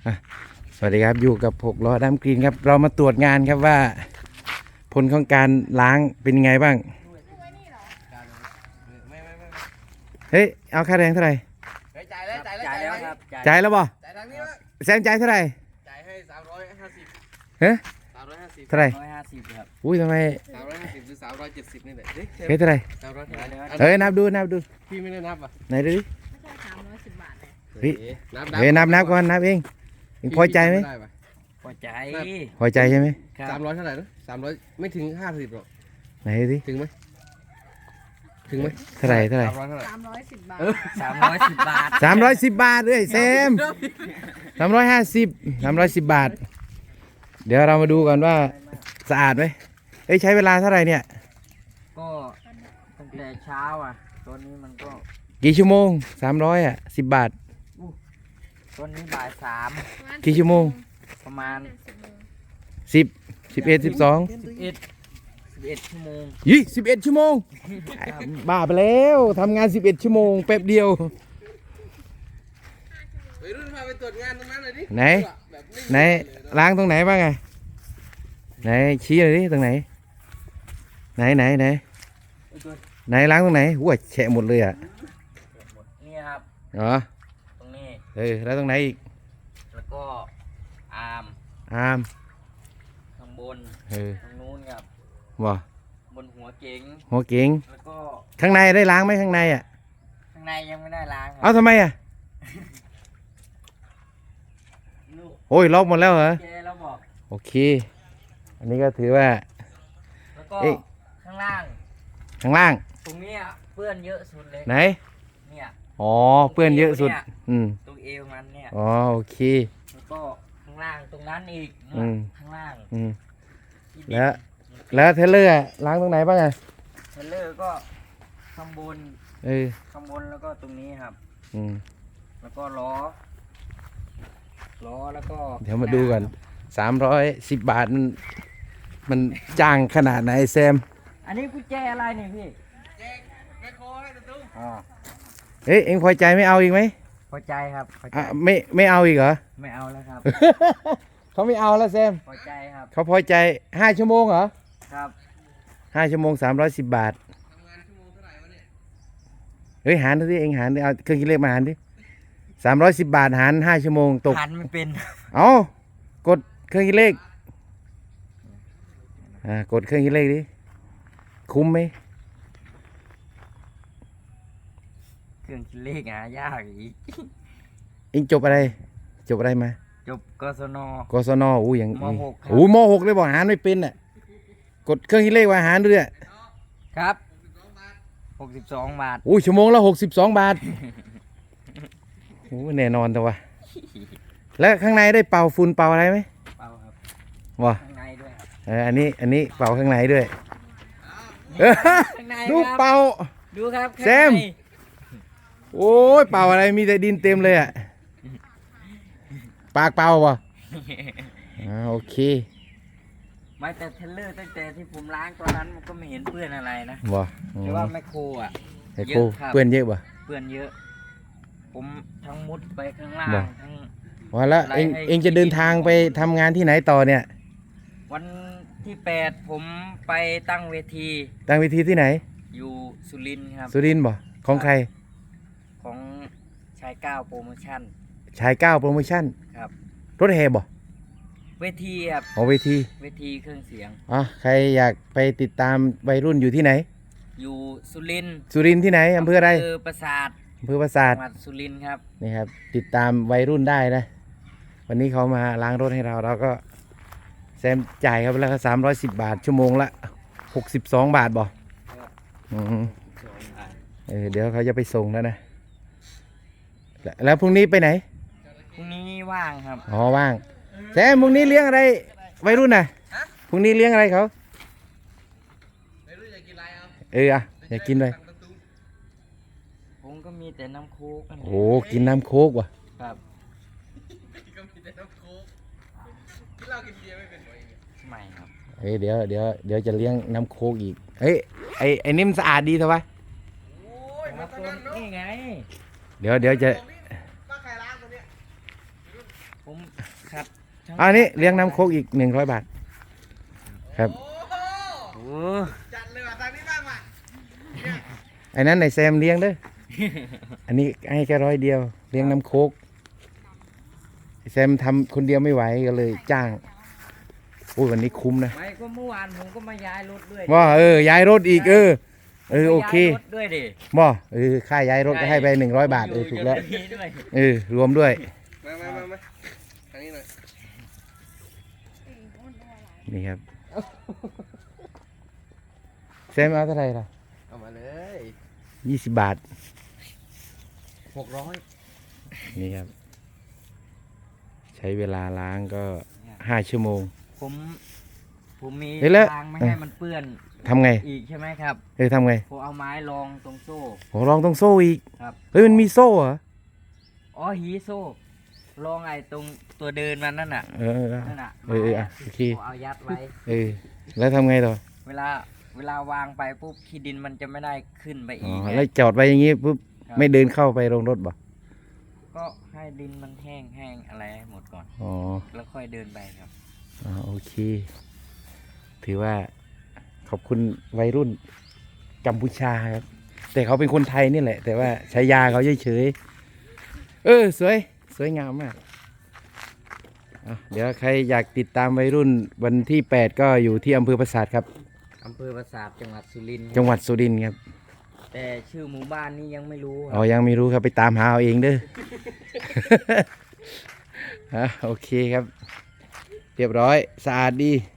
อ่ะสวัสดีครับอยู่กับ6 ล้อดำกรีนครับเรามาตรวจงานครับว่าผลของการล้างเป็นยังไงบ้างเฮ้ยเอาค่าแรงเท่าไหร่จ่ายแล้วครับจ่ายแล้วบ่จ่ายทางนี้วะแซมจ่ายเท่าไหร่จ่ายให้350 เฮ้ย 350 เท่าไหร่ 150ครับอุ้ยทำไม 350หรือ370นี่แหละเฮ้ยเฮ้ยเท่าไหร่ 300 เฮ้ยนับดูพี่ไม่ได้นับอ่ะไหนดูดิไม่ใช่310 บาทเลยเฮ้ยเฮ้ยนับก่อนนับเองพอใจไหมพอใจพอใจใช่ไหม 300เท่าไหร่นะ300ไม่ถึง50หรอกไหนดูดิถึงไหมไหมเท่าไหร่ 300เท่าไหร่ 310 บาท 310 บาท 310 บาทเลยแซม350 บาทเดี๋ยวเรามาดูกันว่าสะอาดไหมเอ้ยใช้เวลาเท่าไหร่เนี่ยก็ตั้งแต่เช้าอ่ะตอนนี้มันก็กี่ชั่วโมง300อ่ะ10 บาทตอนนี้บ่าย3 กี่ชั่วโมงประมาณ 10 11 12 11ชั่วโมงยี่11 ชั่วโมงบ้าไปแล้วทำงาน11 ชั่วโมงแป๊บเดียวไปรุ่นพาไปตรวจงานตรงนั้นเลยดิไหนล้างตรงไหนบ้างไงไหนชี้เลยดิตรงไหนไหนล้างตรงไหนหัวแฉะหมดเลยอ่ะนี่ครับอ๋อตรงนี้แล้วตรงไหนอีกแล้วก็อาร์มอามข้างบน ตรงนู้นครับบ่บนหัวเก๋งหัวเก๋งแล้วก็ข้างในได้ล้างไหมข้างในอ่ะข้างในยังไม่ได้ล้างคเอารับทำไมอ่ะลูกโอ้ยล็อกหมดแล้วเหรอเจแล้วบอกโอเค อันนี้ก็ถือว่าแล้วก็เอ๊ะข้างล่างข้างล่างตรงเนี้ยเปื้อนเยอะสุดเลยไหนเนี่ยอ๋อเปื้อนเยอะสุดอืมตรงเอวมันเนี่ยอ๋อโอเคแล้วก็ข้างล่างตรงนั้นอีกอืมข้างล่างอืมที่ดินแล้วเทเลอร์อะล้างตรงไหนบ้างอ่ะเทรลเลอร์ก็ข้างบนเออข้างบนแล้วก็ตรงนี้ครับอืมแล้วก็ล้อแล้วก็เดี๋ยวมาดูกัน310 บาทมันจ้างขนาดไหนแซมอันนี้กุญแจอะไรเนี่ยพี่ไม่โค้ให้ตุ้มอ๋อเอ้ยเอ็งพอใจไม่เอาอีกไหมพอใจครับพอใจอ่ะไม่เอาอีกเหรอไม่เอาแล้วครับเขาไม่เอาแล้วแซมพอใจครับเขาพอใจ5 ชั่วโมงเหรอครับ 5 ชั่วโมง310 บาทเฮ้ยหารดูสิเอ็งหารดิเอาเครื่องคิดเลขมาหารดิ310 บาทหาร5 ชั่วโมงตกหันไม่เป็นเอากดเครื่องคิดเลขกดเครื่องคิดเลขดิคุ้มไหมเครื่องคิดเลขหายากอีกเอ็งจบอะไรมาจบกศนกศนอู้อย่างมหกครับโอ้ม.6 เลยบอกหารไม่เป็นอ่ะกดเครื่องคิดเลขว่าหารด้วยครับ62 บาทอู้ชั่วโมงละ62 บาทโอ้แน่นอนแต่ว่าแล้วข้างในได้เป่าฝุ่นเป่าอะไรไหมเปล่าครับวะข้างในด้วยครับอันนี้เป่าข้างในด้วยข้างในดูครับเป่าดูครับแซม โอ้ยเป่าอะไรมีแต่ดินเต็มเลยอ่ะปากเป่าวะโอเคไม่แต่เทรลเลอร์ตั้งแต่ที่ผมล้างตอนนั้นมันก็ไม่เห็นเปื้อนอะไรนะวะแต่ว่าแมคโครอ่ะไอ้เยโคอะครับเพื่อนเยอะปะเปื้อนเยอะ ผมทั้งมุดไปข้างล่างบ่ทั้งว่าแล้วไล่ให้เองจะเดินทางไปทำงานที่ไหนต่อเนี่ยวันที่8ผมไปตั้งเวทีตั้งเวทีที่ไหนอยู่สุรินทร์ครับสุรินทร์บ่ของใครของชายก้าวโปรโมชั่นชายก้าวโปรโมชั่นครับรถแห่บ่เวทีครับของเวทีเวทีเครื่องเสียงใครอยากไปติดตามวัยรุ่นอยู่ที่ไหนอยู่สุรินทร์สุรินทร์ที่ไหนอำเภออะไรปราสาทอำเภอปราสาทจังหวัดสุรินทร์ครับนี่ครับติดตามวัยรุ่นได้นะ วันนี้เขามาล้างรถให้เราก็แซมจ่ายครับแล้วก็310 บาทชั่วโมงละ62 บาทบ่อืมเดี๋ยวเขาจะไปส่งแล้วนะแล้วพรุ่งนี้ไปไหนพรุ่งนี้ว่างครับอ๋อว่างแซมพรุ่งนี้เลี้ยงอะไรวัยรุ่นน่ะพรุ่งนี้เลี้ยงอะไรเขาไม่รู้จะกินอะไรเอาอยากกินเลยผมก็มีแต่น้ำโค้กนโอ้กินน้ำโค้กว่ะครับก็มีแต่น้ำโค้กกินเหล้ากินเบียร์ไม่เป็นไรไม่ครับเดี๋ยวจะเลี้ยงน้ำโค้กอีกไอ้นี่มันสะอาดดีเถอะวะโอ้ยมาทางนั้นเนาะนี่ไงเดี๋ยวจะป้าใครล้างตัวเนี้ยผมขัดทั้งอันนี้เลี้ยงน้ำโคกอีก100 บาท ครับโอ้โหโอ้จัดเลยว่ะทางนี้บ้างว่ะไอ้นั้นในแซมเลี้ยงเด้อ อันนี้ให้แค่100 เดียว เลี้ยงน้ำโคกไอ้แซมทำคนเดียวไม่ไหวก็เลยจ้างโอ้ยวันนี้คุ้มนะไม่ก็เมื่อวานผมก็มาย้ายรถด้วยว่าย้ายรถอีกโอเคย้ายรถด้วยดิบ่ค่าย้ายรถก็ให้ไป100 บาทถูกแล้วอยู่ด้วยรวมด้วยมาทางนี้หน่อยนี่ครับ แซมเอาเท่าไหร่ล่ะเอามาเลย 20 บาท 600 นี่ครับ ใช้เวลาล้างก็5 ชั่วโมงผมมีเฮ้ยแล้วทางไม่ให้มันเปื้อนทำไงอีกใช่ไหมครับทำไงผมเอาไม้รองตรงโซ่โหลองต้องโซ่อีกครับเฮ้ยมันมีโซ่เหรออ๋อหีโซ่รองไอ้ตรงตัวเดินมันนั่นน่ะ นั่นน่ะโอเคผมเอายัดไว้แล้วทำไงต่อเวลาวางไปปุ๊บขี้ดินมันจะไม่ได้ขึ้นไปอ๋อีอก แล้วจอดไว้อย่างงี้ปุ๊บครับไม่เดินเข้าไปโรงรถบ่ก็ให้ดินมันแห้งอะไรให้หมดก่อนอ๋อแล้วค่อยเดินไปครับโอเค ถือว่าขอบคุณวัยรุ่นกัมพูชาครับ แต่เขาเป็นคนไทยนี่แหละ แต่ว่าใช้ยาเขาเฉยๆสวยงามมากเดี๋ยวใครอยากติดตามวัยรุ่นวันที่ 8 ก็อยู่ที่อำเภอปราสาทครับอำเภอปราสาทจังหวัดสุรินทร์จังหวัดสุรินทร์ครับแต่ชื่อหมู่บ้านนี้ยังไม่รู้คอ๋รัอบ ยังไม่รู้ครับไปตามหาเอาเองเด้อ โอเคครับ เรียบร้อยสะอาดดี